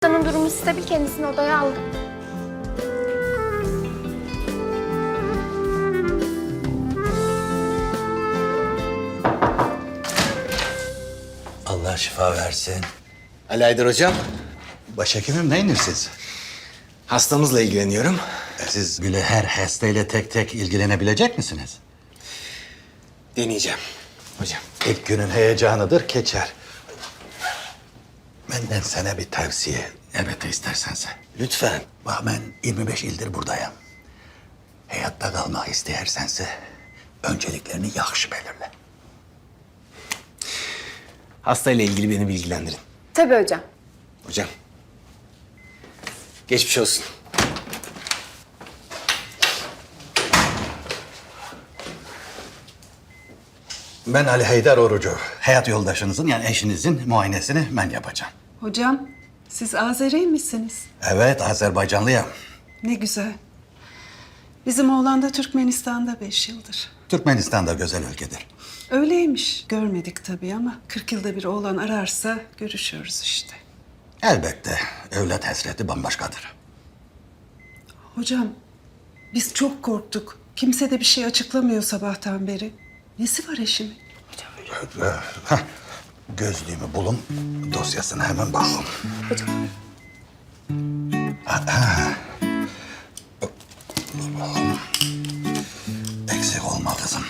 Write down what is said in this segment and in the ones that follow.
Hastanın durumu stabil, kendisini odaya aldım. Allah şifa versin. Ali Aydar hocam, Başhekimim neyiniz siz? hastamızla ilgileniyorum. Siz bile her hastayla tek tek ilgilenebilecek misiniz? Deneyeceğim hocam. İlk günün heyecanıdır, geçer. Benden sana bir tavsiye. Elbette istersense. Lütfen. Bak ben 25 ildir buradayım. Hayatta kalmak istersense önceliklerini yaxşı belirle. Hastayla ilgili beni bilgilendirin. Tabii hocam. Hocam. Geçmiş olsun. Ben Ali Heydar Orucu. Hayat yoldaşınızın yani eşinizin muayenesini ben yapacağım. Hocam, siz Azeri misiniz? Evet, Azerbaycanlıyım. Ne güzel. Bizim oğlan da Türkmenistan'da 5 yıldır. Türkmenistan da güzel ülkedir. Öyleymiş. Görmedik tabii ama 40 yılda bir oğlan ararsa görüşüyoruz işte. Elbette evlat hasreti bambaşkadır. Hocam, biz çok korktuk. Kimse de bir şey açıklamıyor sabahtan beri. Nesi var eşimin? Heh, gözlüğümü bulun, dosyasına hemen bakın. Hocam. Eksik olma kızım.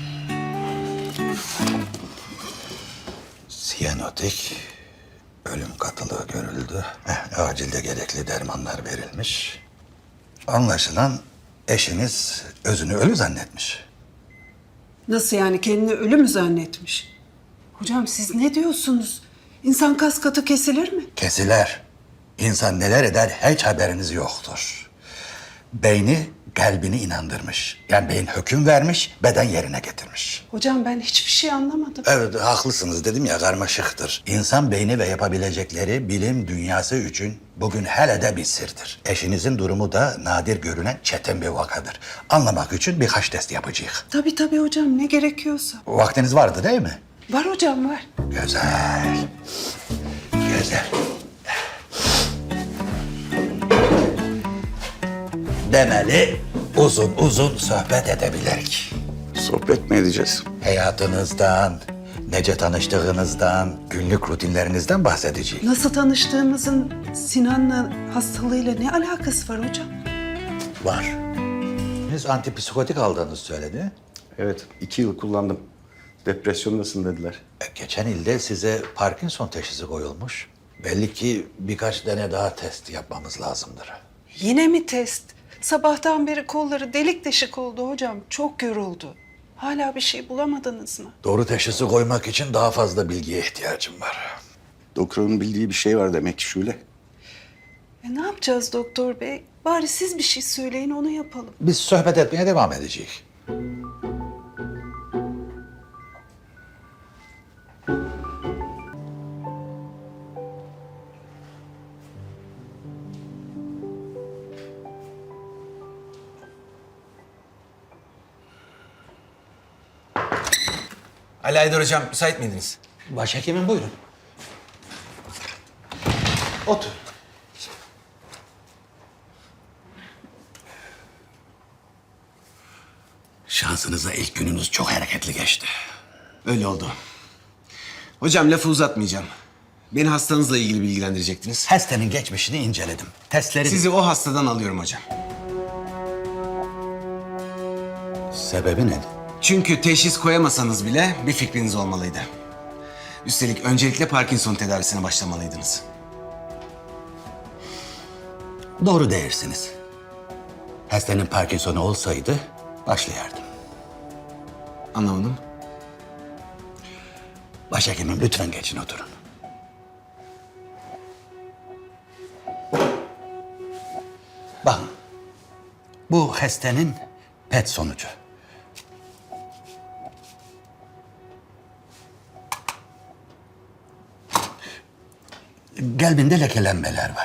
Siyanotik, ölüm katılığı görüldü. Acilde gerekli dermanlar verilmiş. Anlaşılan eşiniz özünü ölü zannetmiş. Nasıl yani kendini ölü mü zannetmiş? Hocam siz ne diyorsunuz? İnsan kas katı kesilir mi? Kesiler. İnsan neler eder hiç haberiniz yoktur. Beyni kalbini inandırmış. Yani beyin hüküm vermiş, beden yerine getirmiş. Hocam ben hiçbir şey anlamadım. Evet, haklısınız dedim ya, karmaşıktır. İnsan beyni ve yapabilecekleri bilim dünyası için bugün hele de bir sırdır. Eşinizin durumu da nadir görünen çetin bir vakadır. Anlamak için birkaç test yapacağız. Tabii hocam ne gerekiyorsa. Vaktiniz vardı değil mi? Var hocam var. Güzel. Güzel. Demeli uzun uzun sohbet edebilirik. Sohbet mi edeceğiz? Hayatınızdan, nece tanıştığınızdan, günlük rutinlerinizden bahsedeceğim. Nasıl tanıştığımızın Sinan'la hastalığıyla ne alakası var hocam? Var. Siz antipsikotik aldığınızı söyledi. Evet, 2 yıl kullandım. Depresyondasın dediler. Geçen ilde size Parkinson teşhisi koyulmuş. Belli ki birkaç tane daha test yapmamız lazımdır. Yine mi test? Sabahtan beri kolları delik deşik oldu hocam. Çok yoruldu. Hala bir şey bulamadınız mı? Doğru teşhisi koymak için daha fazla bilgiye ihtiyacım var. Doktorun bildiği bir şey var demek ki Şule. Ne yapacağız doktor bey? Bari siz bir şey söyleyin onu yapalım. Biz sohbet etmeye devam edeceğiz. Ali Aydar hocam, müsait miydiniz? Başhekimim buyurun. Otur. Şansınıza ilk gününüz çok hareketli geçti. Öyle oldu. Hocam lafı uzatmayacağım. Beni hastanızla ilgili bilgilendirecektiniz. Hastanın geçmişini inceledim. Testleri... Sizi o hastadan alıyorum hocam. Sebebi ne? Çünkü teşhis koyamasanız bile bir fikriniz olmalıydı. Üstelik öncelikle Parkinson tedavisine başlamalıydınız. Doğru değilsiniz. Hastanın Parkinson'u olsaydı başlayardım. Anlamadım. Başhekimim lütfen geçin oturun. Bakın, bu hastanın PET sonucu. Kalbinde lekelenmeler var.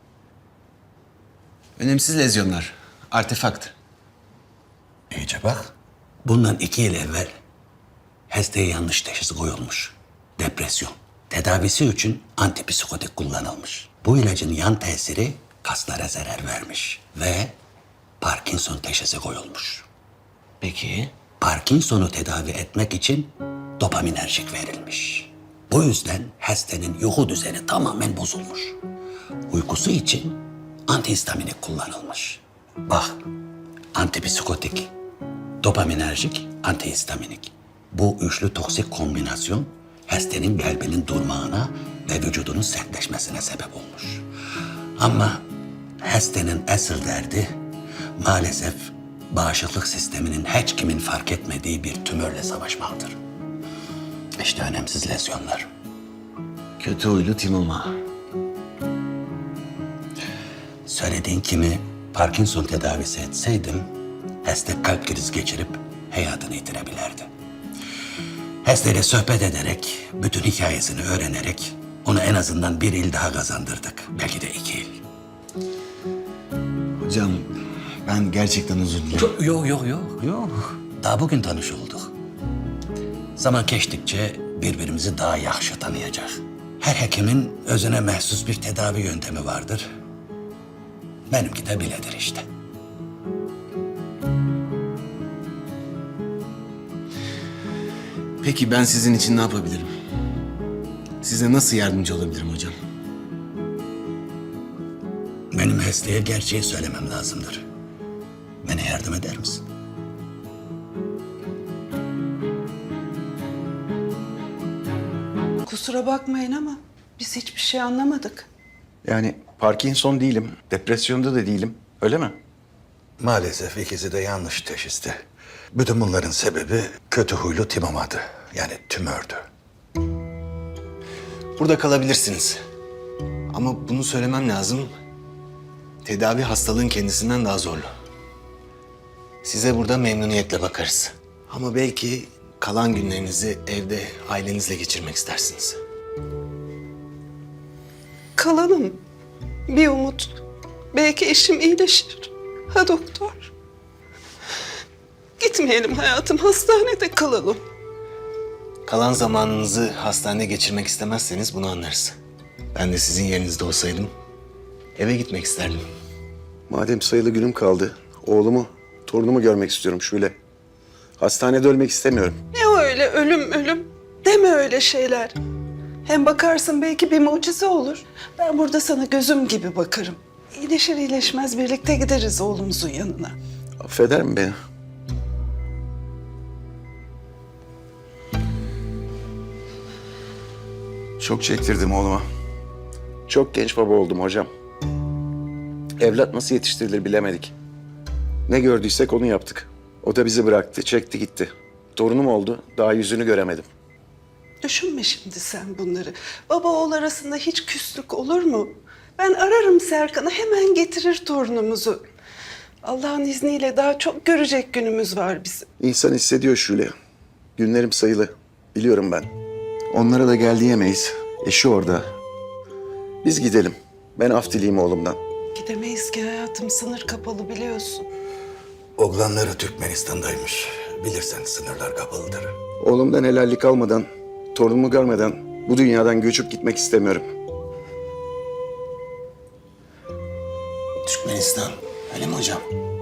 Önemsiz lezyonlar. Artefakt. İyice bak. Bundan 2 yıl evvel hastaya yanlış teşhis koyulmuş. Depresyon. Tedavisi için antipsikotik kullanılmış. Bu ilacın yan tesiri kaslara zarar vermiş ve Parkinson teşhisi koyulmuş. Peki. Parkinson'u tedavi etmek için dopaminerjik verilmiş. Bu yüzden hastanın uyku düzeni tamamen bozulmuş. Uykusu için antihistaminik kullanılmış. Bak, antipsikotik, dopaminerjik, antihistaminik. Bu üçlü toksik kombinasyon hastanın kalbinin durmağına ve vücudunun sertleşmesine sebep olmuş. Ama hastanın asıl derdi maalesef bağışıklık sisteminin hiç kimin fark etmediği bir tümörle savaşmaktır. İşte önemsiz lezyonlar. Kötü huylu Timoma. Söylediğin kimi Parkinson tedavisi etseydim, hasta kalp krizi geçirip hayatını yitirebilirdi. Hastayla sohbet ederek, bütün hikayesini öğrenerek onu en azından 1 yıl daha kazandırdık. Belki de 2 yıl. Hocam ben gerçekten özür dilerim. Yok. Daha bugün tanış olduk. Zaman geçtikçe birbirimizi daha yaxşı tanıyacak. Her hekimin özüne mahsus bir tedavi yöntemi vardır. Benimki de biledir işte. Peki ben sizin için ne yapabilirim? Size nasıl yardımcı olabilirim hocam? Benim hastaya gerçeği söylemem lazımdır. Bana yardım eder misin? Kusura bakmayın ama biz hiçbir şey anlamadık. Yani Parkinson değilim, depresyonda da değilim. Öyle mi? Maalesef ikisi de yanlış teşhisti. Bütün bunların sebebi kötü huylu timomadı. Yani tümördü. Burada kalabilirsiniz. Ama bunu söylemem lazım. Tedavi hastalığın kendisinden daha zorlu. Size burada memnuniyetle bakarız. Ama belki kalan günlerinizi evde ailenizle geçirmek istersiniz. Kalalım. Bir umut. Belki eşim iyileşir. Ha doktor? Gitmeyelim hayatım. Hastanede kalalım. Kalan zamanınızı hastanede geçirmek istemezseniz bunu anlarız. Ben de sizin yerinizde olsaydım eve gitmek isterdim. Madem sayılı günüm kaldı, oğlumu, torunumu görmek istiyorum Şule. Hastanede ölmek istemiyorum. Ne öyle ölüm? Deme öyle şeyler. Hem bakarsın belki bir mucize olur. Ben burada sana gözüm gibi bakarım. İyileşir iyileşmez birlikte gideriz oğlumuzun yanına. Affeder mi beni? Çok çektirdim oğluma. Çok genç baba oldum hocam. Evlat nasıl yetiştirilir bilemedik. Ne gördüysek onu yaptık. O da bizi bıraktı, çekti gitti. Torunum oldu, daha yüzünü göremedim. Düşünme şimdi sen bunları. Baba oğul arasında hiç küslük olur mu? Ben ararım Serkan'ı, hemen getirir torunumuzu. Allah'ın izniyle daha çok görecek günümüz var bizim. İnsan hissediyor Şule. Günlerim sayılı. Biliyorum ben. Onlara da gel diyemeyiz. Eşi orada. Biz gidelim. Ben af dileyim oğlumdan. Gidemeyiz ki hayatım, sınır kapalı biliyorsun. Oğlanları Türkmenistan'daymış. Bilirsen sınırlar kapalıdır. Oğlumdan helallik almadan, torunumu görmeden bu dünyadan göçüp gitmek istemiyorum. Türkmenistan, öyle mi hocam?